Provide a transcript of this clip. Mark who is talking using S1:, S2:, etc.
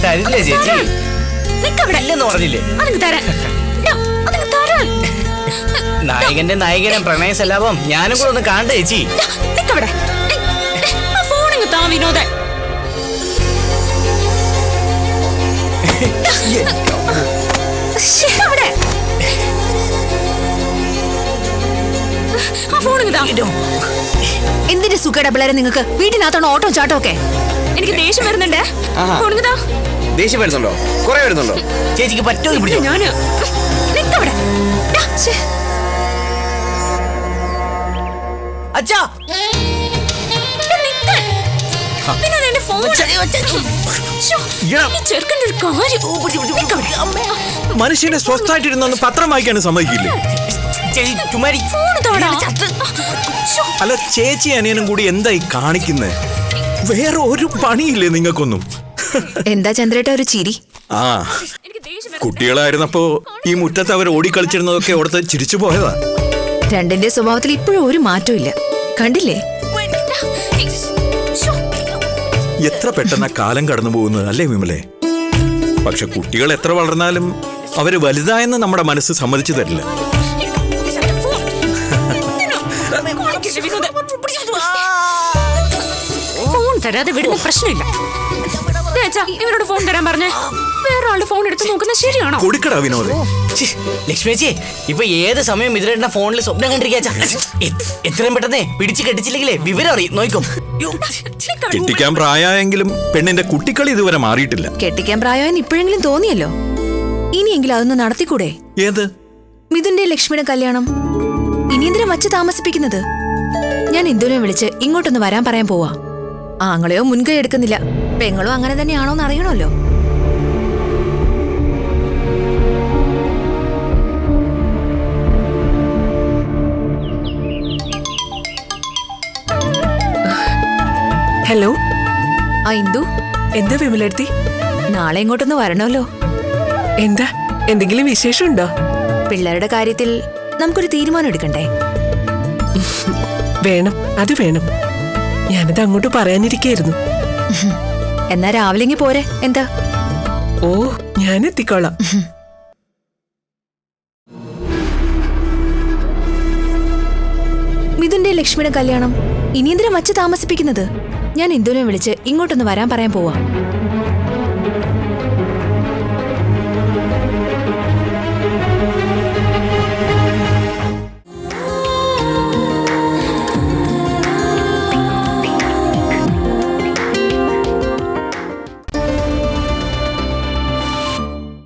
S1: തരില്ലേ ചേച്ചി? ഇല്ലെന്ന് പറഞ്ഞില്ലേ? നായകന്റെ നായകനെ പ്രണയ സലാപം ഞാനും കൂടെ ഒന്ന് കാണട്ടെ ചേച്ചി.
S2: എന്തിന്റെ സുഖയുടെ പിള്ളേരെ നിങ്ങൾക്ക്? വീട്ടിനകത്തോണ്ട് ഓട്ടോ ചാട്ടോ ഒക്കെ. എനിക്ക് ദേഷ്യം വരുന്നുണ്ടേ.
S1: ദേഷ്യം വരുന്നുണ്ടോ? കുറെ വരുന്നുണ്ടോ? ചേച്ചിക്ക് പറ്റുമോ പിടിച്ചോ?
S2: ഞാന്
S1: അച്ഛാ
S3: മനുഷ്യനെ സ്വസ്ഥായിട്ടിരുന്നൊന്ന് പത്രം വായിക്കാനും സമ്മതിക്കില്ലേ? അല്ല, ചേച്ചി അനിയനും കൂടി എന്തായി കാണിക്കുന്നേ? വേറെ ഒരു പണിയില്ലേ നിങ്ങൾക്കൊന്നും?
S2: എന്താ ചന്ദ്രേട്ട ഒരു ചിരി?
S3: ആ, കുട്ടികളായിരുന്നപ്പോ ഈ മുറ്റത്ത് അവർ ഓടിക്കളിച്ചിരുന്നതൊക്കെ ഓർത്ത് ചിരിച്ചു പോയതാ.
S2: രണ്ടിന്റെ സ്വഭാവത്തിൽ ഇപ്പോഴും ഒരു മാറ്റവും ഇല്ല, കണ്ടില്ലേ?
S3: എത്ര പെട്ടെന്ന കാലം കടന്നു പോകുന്നത് അല്ലേ വിമലേ? പക്ഷെ കുട്ടികൾ എത്ര വളർന്നാലും അവര് വലുതായെന്ന് നമ്മുടെ മനസ്സ് സമ്മതിച്ചു തരില്ല.
S2: ഫോൺ തരാതെ വിടുന്ന പ്രശ്നമില്ല. ഇവരോട് ഫോൺ തരാൻ പറഞ്ഞേ. വേറെ ആളുടെ ഫോൺ എടുത്ത് നോക്കുന്നത് ശരിയാണോ?
S3: കൊടുക്കടാ വിനോദ്.
S1: ലക്ഷ്മിച്ചി, ഇപ്പൊ ഏത് സമയം ഇതിലേട്ട ഫോണിൽ സ്വപ്നം കണ്ടിരിക്കാ. എത്രയും പെട്ടെന്നേ പിടിച്ച് കെട്ടിച്ചില്ലെങ്കിലേ വിവരം അറിയും. നോക്കും,
S3: കെട്ടിക്കാൻ പ്രായമെങ്കിലും പെണ്ണിന്റെ കുട്ടിക്കളി ഇതുവരെ മാറിയിട്ടില്ല.
S2: കെട്ടിക്കാൻ പ്രായം ഇപ്പോഴെങ്കിലും തോന്നിയല്ലോ. ഇനിയെങ്കിലും അതൊന്ന് നടത്തിക്കൂടെ?
S3: ഏത്?
S2: മിഥുന്റെ ലക്ഷ്മിയുടെ കല്യാണം. ഇനി എന്തിനാ വച്ച് താമസിപ്പിക്കുന്നത്? ഞാൻ ഇന്ദുവിനെ വിളിച്ച് ഇങ്ങോട്ടൊന്ന് വരാൻ പറയാൻ പോവാ. ആങ്ങളെയോ മുൻകൈ എടുക്കുന്നില്ല. പെങ്ങളോ അങ്ങനെ തന്നെയാണോന്ന് അറിയണമല്ലോ.
S4: ഹലോ.
S2: ആ ഇന്ദു,
S4: എന്താ വിമലെടുത്തി?
S2: നാളെ ഇങ്ങോട്ടൊന്ന് വരണമല്ലോ.
S4: എന്താ, എന്തെങ്കിലും വിശേഷമുണ്ടോ?
S2: പിള്ളേരുടെ കാര്യത്തിൽ നമുക്കൊരു തീരുമാനം എടുക്കണ്ടേ?
S4: വേണം, അത് വേണം. ഞാനത് അങ്ങോട്ട് പറയാനിരിക്കായിരുന്നു.
S2: എന്നാ രാവിലെ പോരെ? എന്താ?
S4: ഓ, ഞാൻ എത്തിക്കോളാം.
S2: മിഥുന്റെ ലക്ഷ്മിയുടെ കല്യാണം ഇനി എന്തിനാ വച്ച് താമസിപ്പിക്കുന്നത്? ഞാൻ ഇന്ദുവിനെ വിളിച്ച് ഇങ്ങോട്ടൊന്ന് വരാൻ പറയാൻ പോവാ.